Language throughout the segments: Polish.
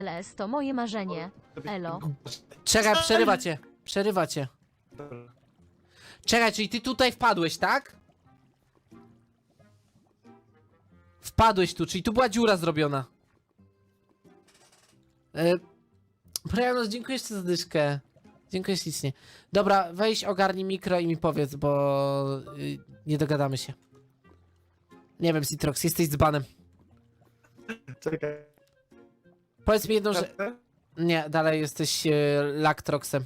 LS to moje marzenie. Elo. Czekaj, przerywa cię. Czekaj, czyli ty tutaj wpadłeś, tak? Wpadłeś tu, czyli tu była dziura zrobiona. Brianos, dziękuję jeszcze za dyszkę. Dziękuję ślicznie. Dobra, weź ogarnij mikro i mi powiedz, bo nie dogadamy się. Nie wiem, Citrox, jesteś dzbanem. Czekaj. Powiedz mi jedną rzecz. Nie, dalej jesteś Laktroxem.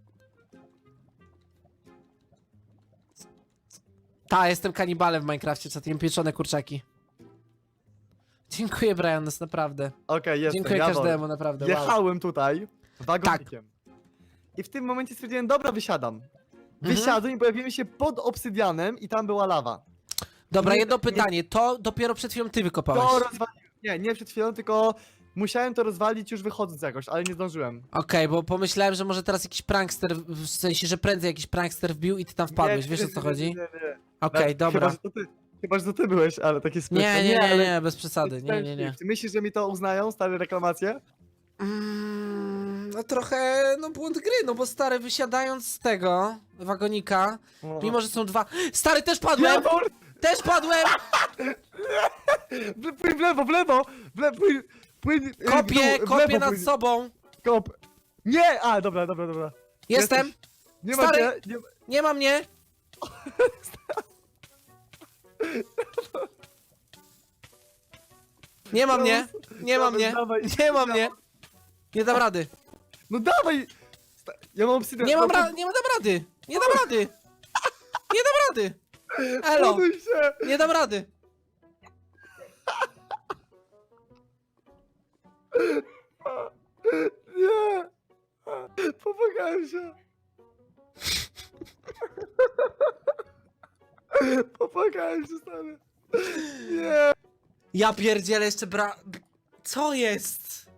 Ta, jestem kanibalem w Minecrafcie, co tym pieczone kurczaki. Dziękuję, Brianos, naprawdę. Okej, jestem. Dziękuję Jawor. każdemu, naprawdę. Wow. Jechałem tutaj wagonikiem. I w tym momencie stwierdziłem, dobra, wysiadam. Wysiadłem i pojawiłem się pod obsydianem i tam była lawa. Dobra, Nie- jedno nie- pytanie. To dopiero przed chwilą ty wykopałeś. To rozwaliłem. Nie przed chwilą, tylko musiałem to rozwalić już wychodząc jakoś, ale nie zdążyłem. Okej, bo pomyślałem, że może teraz jakiś prankster, w sensie, że prędzej jakiś prankster wbił i ty tam wpadłeś, wiesz o co chodzi? Nie. Okej, dobra. Chyba, że to ty byłeś, ale takie sprytne. Nie, bez przesady, nie. Ty myślisz, że mi to uznają, stare reklamacje? No trochę, no błąd gry, no bo stary, wysiadając z tego wagonika, mimo że są dwa... Stary, też padłem! Jawor! Też padłem! Płyń w lewo, płyń w Kopię lewo nad płyń. sobą! Kop. Nie! A, dobra. Jestem! Nie ma Stary! cię, nie... Nie ma mnie! Nie ma mnie! Nie ma mnie! Dawaj, Nie ma mnie! Nie dam rady! No dawaj! Ja mam obsydian. Nie dam rady! Nie dam rady! Nie dam rady! Elo! Poduj się! Nie dam rady! Nie! Popłakałem się. Popłakałem się, stary. Nie! Ja pierdzielę jeszcze Co jest?